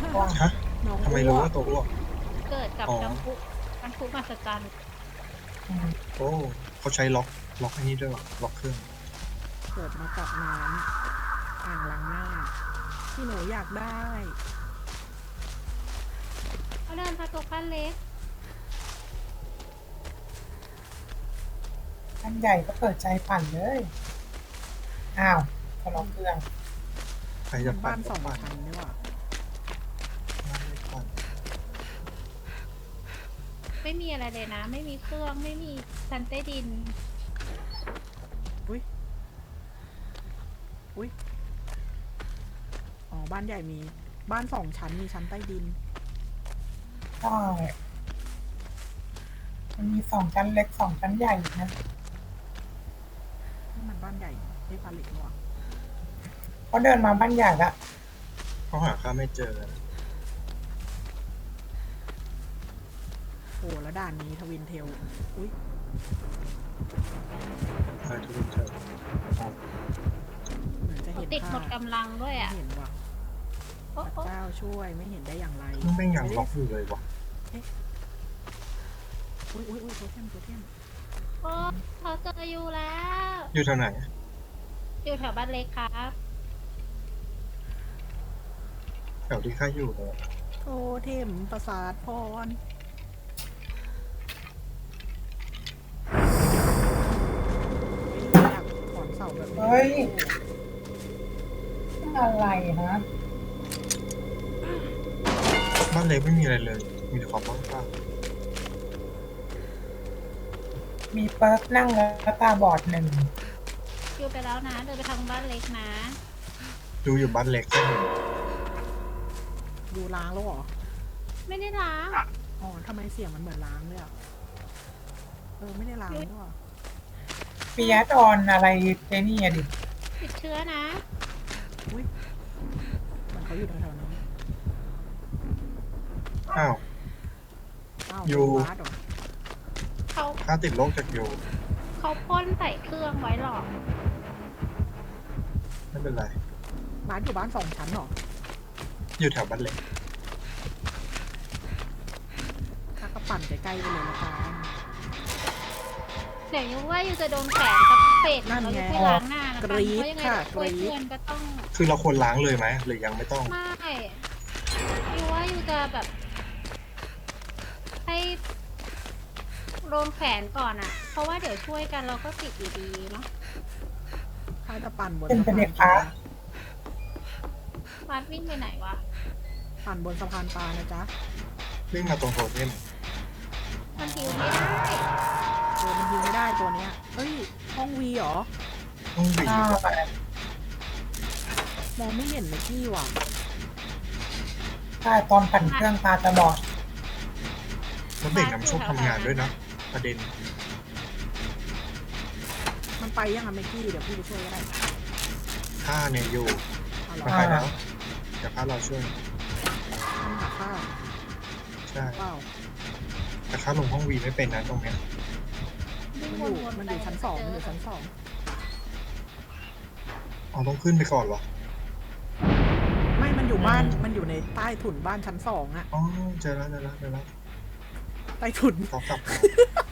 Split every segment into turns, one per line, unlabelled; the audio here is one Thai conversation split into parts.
ฮะ
น้อง
ทำไมรู้ว่าตัวอ้วก
เกิดกับ
อ๋อ
น้ำพุมหัศจรรย์
โอ้เขาใช้ล็อกอันนี้ด้วยวะล็อกเครื่อง
เกิดมากับน้ำอ่างล้างหน้าที่หนูอยากได้
เขาเดินมาตกบ้านเล็ก
อันใหญ่ก็เปิดใจปั่นเลยอ้าวก็ล็อกเครื่อง
ใครจะปั่
บ้าน น
ก็
สอง
ปั่น
ชั้นนี่หว่า
ไม่ปั่น
ไม่มีอะไรเลยนะ ไม่มีเครื่องไม่มีชั้นใต้ดิน
อุ้ยอ๋อบ้านใหญ่มีบ้านสองชั้นมีชั้นใต้ดิน
ใช่มันมี2 ชั้นเล็ก2 ชั้นใหญ่นะ
นี่มันบ้านใหญ่ไม่ผลิตหรอ
เขาเดินมาบ้านใหญ่ละ
เขาหาข้าไม่เจอ
โอ้แล้วด่านนี้ทวินเทลอุ้ย
ใช่ทุกเจอ
เหมือนจะเห็น
ติดหมดกำลังด้วย
ไม่
อ่ะ
เห็นว่ะ
โอ้
พระ
โอ้
เจ้าช่วยไม่เห็นได้อย่างไร
มันไม่ยังล็อกอยู่เลยวะ
อุ้ยโทเทม
โอ้เขาเจออยู่แล้ว
อยู่แถวไหน
อยู่แถวบ้านเล็กครับ
แถวที่ข้าอยู่เลย
โทเทมประสาทพรอยากถอนเสาแบบนี้
เฮ้ยอะไรฮะ
บ้านเล็กไม่มีอะไรเลย มีแต่ความว่างเปล่า
มีเปิร์กนั่งแล้วตาบอด1
อยู่ไปแล้วนะ เดินไปทางบ้านเล็กนะ
ดูอยู่บ้านเล็กแค่เห็น
ดูล้างแล้วเหรอ
ไม่ได้ล้าง
อ๋อทำไมเสียงมันเหมือนล้างเลยอ่ะไม่ได้ล้างด้วย
ปีแอดออนอะไรเจนี่อะดิ
ติดเชื้อนะ
อุ้ยมันเขาอยู่แถวๆนี้
อ้าว
อ้าว
อยู่
บาสเหรอ
เขา
ข้าติดโรคจากอยู่
เขาพ่นใส่เครื่องไว้หรอก
ไม่เป็นไร
บาสอยู่บ้านสองชั้นเหรอ
อยู่แถวบ้านเล็ก
ถ้าก็ปั่นใกล้ๆไปเลยละกัน
เดี๋ยวยูว่ายูจะโดนแขวนกับเฟส
นั่น
แล้ว
ไง
ยูไปล้างหน้านะคะ
กรี๊ด
เพราะยังไง
ค่ะ
ช่วย
กรี๊ด
เพื่อนก็ต้อง
คือเราควรล้างเลยไหมหรือยังไม่ต้อง
ไม่ยูว่ายูจะแบบ ให้โดนแขวนก่อนอ่ะ เพราะว่าเดี๋ยวช่วยกันเราก็ติดอยู่ดีเนาะ
ถ้าจะปั่นบน
เป็น
สะ
เด็
พาก นป
ฟ้า
ลา
วาดวิ่งไปไหนวะ
ปั่นบนสะพานปลานะจ๊ะ
วิ่งมาตรงโทเทม
มันหิวไม่ได้
มันยิงไม่ได้ตัวเนี้ยเอ้ยห้องวีเหรอ
ต้องวิ่ง
ใช่
มองไม่เห็นเลยพี่ว่ะ
ใช่ตอนปั่นเครื่องตาจะบอด
แล้วเบรกน้ำโชคทำงานด้วยนะ ประเด็น
มันไปยังอะเมกกี้เดี๋ยวพี่ไปช่วยก็ได้
ข้าเนี่ยอยู่
เอาเหรอ
ไม่ไปแล้วเดี๋ยวข้าเราช่วย
มันหาข้าว
ใช่
เปล่า
แต่ข้าลงห้องวีไม่เป็นนะตรงเนี้ย
วิ่ง
มันอยู่
วนๆ
มัน
ไป
อยู่ชั้นสองมันอยู่
เจ
ชั้นสอง
อ๋อต้องขึ้นไปก่อนเหรอ
ไม่มันอยู่บ้านมันอยู่ในใต้ถุนบ้านชั้นสองอะ
อ๋อเจอแล้ว
ใต้ถุน
ขอกลับมา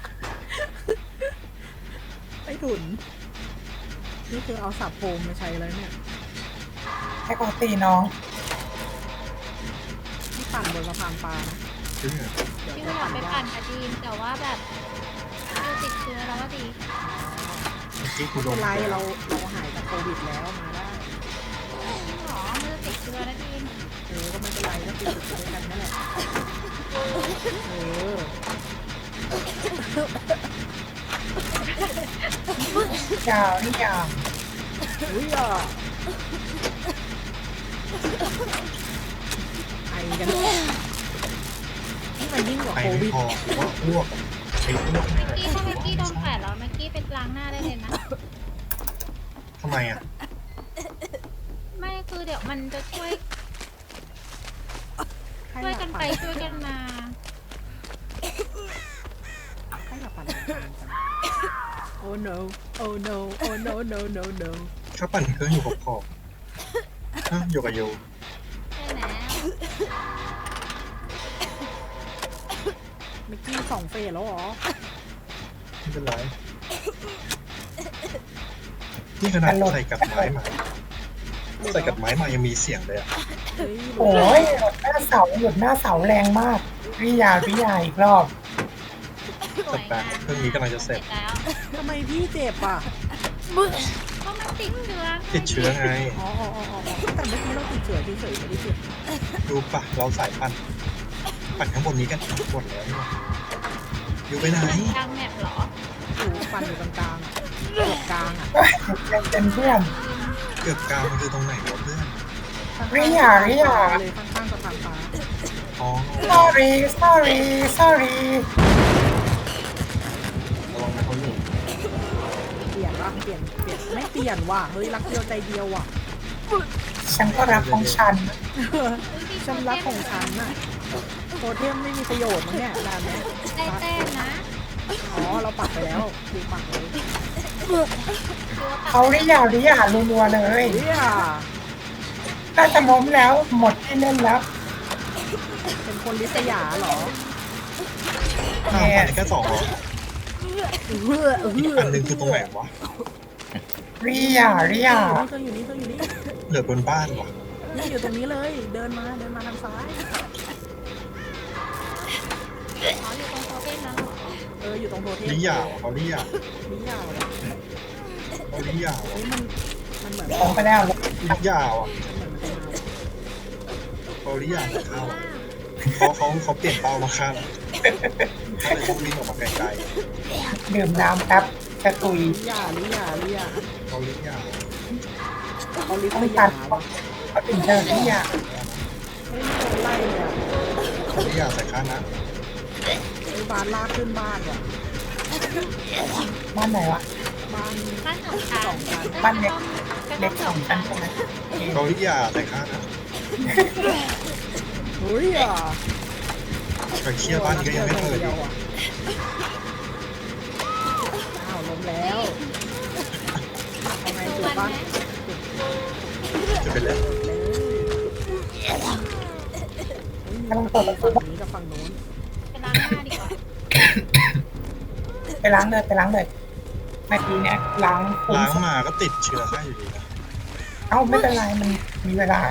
ใต้ถุนนี่คือเอาสับโฟมมาใช้แล้วเนี่ย
ให้เขาตีน้อง
ที่ปั่นบนสะพานปลานะ
จริงเหรอ
เดี๋ยว
พี่
จะ
ว่า
ปั่น
ไป
ยา
ปั่
ก
นกับดีมแต่ว่าแบบยูติดเชื้อแล้วก็ดี
เมื่อกี้กู
ไม่
โด
เป็น นไรเราหายจากโควิดแล้วมาได้
จริงเหรอมันจะติดเชื้อนะดีม
ก็ไม่เป็นไรก็ติดอยู่ด้วยกันนั่นแหละ
ยาวนี่ยาว
อุ้ยอ่ะไอกันนี่มันยิ่งกว่า
ไป
โค
ไม่
วิด
พอหรือว่าอ้วกไอ้อ้วกนี่แหละ
ถ้าเมื่อกี้โดนแขวนแล้วเมื่อกี้เป็นล้างหน้าได้เลยนะ
ทำไมอ่ะ
ไม่คือเดี๋ยวมันจะช่วย
ให้
ช่วย
หลั
กัน
บ
ไป
ปั่น
ช่วยกันมา
ให้หลับปั่นกันกัน Oh no Oh no Oh no no no no
ข้าปั่นเครื่องอยู่ขอบๆฮะอยู่กับโย
ใช่แล้ว
มิกกี้2 เฟสแล้วเหรอ
ไม่เป็นไรนี่ขนาดใส่กับไม้มาใส่กับไม้มายังมีเสียงเลยอ่ะ
เฮ้ย
โอ้ยหยุดหน้าเสาหยุดหน้าเสาแรงมากวิยาอีกรอบ
สวยงาม
เครื่องนี้กำลังจะเสร็จ
แล้ว
ทำไมพี่เจ็บอ่ะ
ก็มันติดเชื้อ
ติดเชื้อไง
อ๋อแต่เมื่อกี้เราติดเชื้อเฉยๆไม่ได้เจ็บ
ดูปะเราสายปั่นข้างบนนี้กันหมดแล้วนี่หว่าอยู่ไปไหน
กลางแมปเหรอ
อยู่ฟันอยู่ตรงกลางอะเกือบกลางอ่ะ
ยังเป็นเพื่อน
เกือบกลางมันคือตรงไหนวะเพื่อน
ริยา
เลยข้างๆสะพานฟ้า
อ๋อ
sorry
ระวังนะเขาหนี
เปลี่ยนว่ะเปลี่ยนไม่เปลี่ยนว่ะเฮ้ยรักเดียวใจเดียวว่ะ
ฉันก็รักของฉัน
ฉันรักของฉันน่ะโทเทมไม่มีประโยชน์มั้งเนี่ยด่านเนี้ย
ได้แต้มนะ
อ๋อเราปักไปแล้วดูปักเลย
เขาริยารัวๆเลย
เฮ้ย
น่าจะล้มแล้วหมดที่เล่นแล้ว
เป็นคนลิษยาเหรอ
ข้ามไปแค่2เหรอ
เฮ้อ
อีกอันหนึ่งคือตรงไหนวะ
ริยา
เธออยู่นี่
เหลือบนบ้านวะ
นี่อยู่ตรงนี้เลยเดินมาทางซ้าย
อ๋ออยู่ตรงโซเฟ่นั้นเหรอ
อยู่ตรงโทเทม
ลิยาวะเขาลิยา
ลิยาวเหรอ
เขาลิยาวะ
เฮ้ยมันเหมือน
ลงไปแล้ว
ลิยาวอ่ะ
มันเป็น
เขาลิยาจะเข้าเขาเปลี่ยนเป้ามาฆ่าเราเขาเลยต้องวิ่งออกมาไกล
ดื่มน้ำแป๊บจะตุย
ลิยา
ๆเขาลิยาว
เขาลิษ
ต้อง
ยา
ตัด
ว่ะ
เขาถึงเจอริยา
เฮ้ยโดนไล่เลยอ่ะ
เขาลิยาใส่ข้านะ
ไอ้บ้านลากขึ้นบ้านว่ะ
บ้านไหนวะ
บ้าน
บ้านสองชั้น
บ้านเล็กสองชั้นใช่ไหม
เขาลิยาใส่ข้านะ
เฮ้ยอ่ะ
ไปเชี่ยบ้านนี้ก็ยังไม่เปิดอีก
อ้าวล้มแล้วเอาไง
ดู
จุด
วัน
บ้า
ไห
น
ม
จะเป็นแล้ว
กำลังเปิดประตู
ฝั่งนี้กับฝั่งนู้น
ไปล้างหน้าดีกว่า
ไปล้างเลยเมื่อกี้เนี่ยล้างคุ้ม
ล้างมาก็ติดเชื้อให้อยู่ดีนะ
เอ้าไม่เป็นไรมันมีเวลา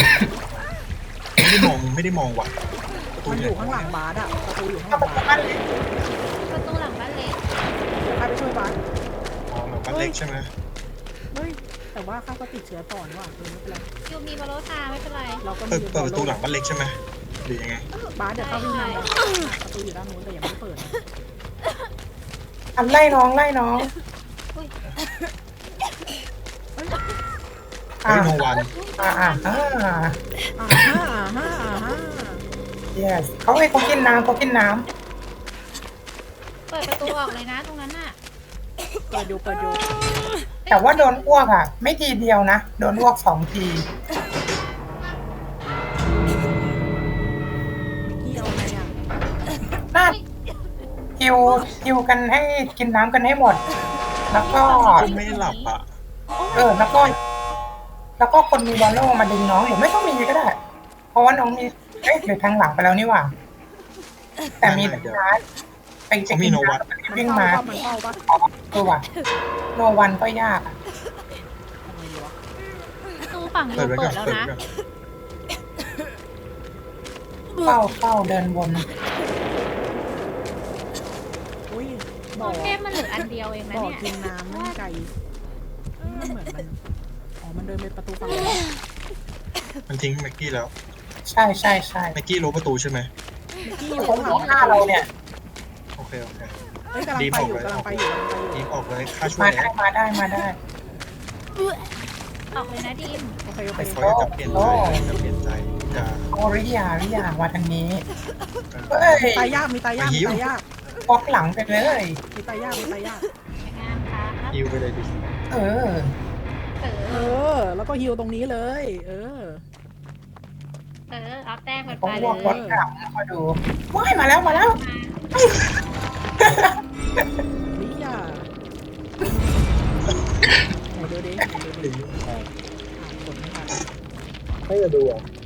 ไม่ได้มองว่ะประตู
มันอ
เนี่ย
ยู่ข้างหลังบาสอ่ะประตูอยู่ข้างห
เอา
ลัง
ประ
บา
ตู
ส
บ้านเล็ก
ประตูหลังบ้านเล็ก
ใครไปช่วยบาส
อ๋อบ้านเล็กใช่ไหม
เฮ้ยแต่ว่าข้าก็ติดเชื้อต่อนี่หว่าไม่เป็นไร
ยูมีบอลโลซาไม่เป็นไร
เราก็
เปิ
มี
ดประตูหลังบ้านเล็กใช่ไหมหรือยังไง
บาสเดี๋ยวเข้าวิ่งมาประตูอยู่ด้านนู้นแต่ยังไม่เปิด
อันไล่น้อง
อุ้ย
เฮ้ยโนวัน
อ่าฮ่า
yes เขาให้เขากินน้ำ
เปิดประตูออกเลยนะตรงนั้นน่ะ
เปิดอยู่
แต่ว่าโดนอ้วกอ่ะ ไม่ทีเดียวนะ โดนอ้วก2 ที
พี่เอาไงอ่ะ
น่าฮิวกันให้กินน้ำกันให้หมด แล้วก็
คุณไม่หลับอ่ะ
แล้วก็คนมีบอลโลมาดึงน้องหรือไม่ต้องมีก็ได้ เพราะว่าน้องมีหรือทางหลังไปแล้วนี่หว่า แต่มีทางซ้ายไปกินน้ำวิ่งมา
มันเข้าปะ
ตัวว่ะโนวันก็ยากอะ
ทำไงดีวะ
ประตูฝั่งยู
เปิดไว้
เปิ
ก่อ
ด
น
แล้ว
เปิด
นะ
ไว้ก่อน
เข้าเดินวน
อุ้ย
โซ
บ่อ
เฟ่มันเหลืออันเดียวเองนะ
บ่อ
เนี่ย
กินน้ำไม่ไกลมันเหมือนมันอ๋อมันเดินไปประตูฝั่งนู้น
มันทิ้งแม็กกี้แล้ว
ใช่
แม็กกี้รู้ประตูใช่ไหม
ที่อยู่
ตร
ข้าง งหลัง
หน้าเราเนี่ย
โอเค
เฮ้ยกำลังไปอยู่
รีบออกเลยค่าช่ว
มาย ได้
ออกเลยนะดีม
โอเค
เขาจะเปลี่ยนใจจะ
โอริยามาทางนี้ เฮ้ย
ตายยากมีตายยาก
บล็อกหลังไปเลย
มีตายยาก
สวยงามครับ
ยิวไปเลยดิ
เออ
แล้วก็ฮิวตรงนี้เลย
เอาแต้มกัน
ผม
ไปเล
บวกรถ
ย
หลังมาดูว้ายมาแล้ว
มา
นี่อ่ะเดี๋ยวดิกดไม่ทัน
ให้จะดูอ่ะ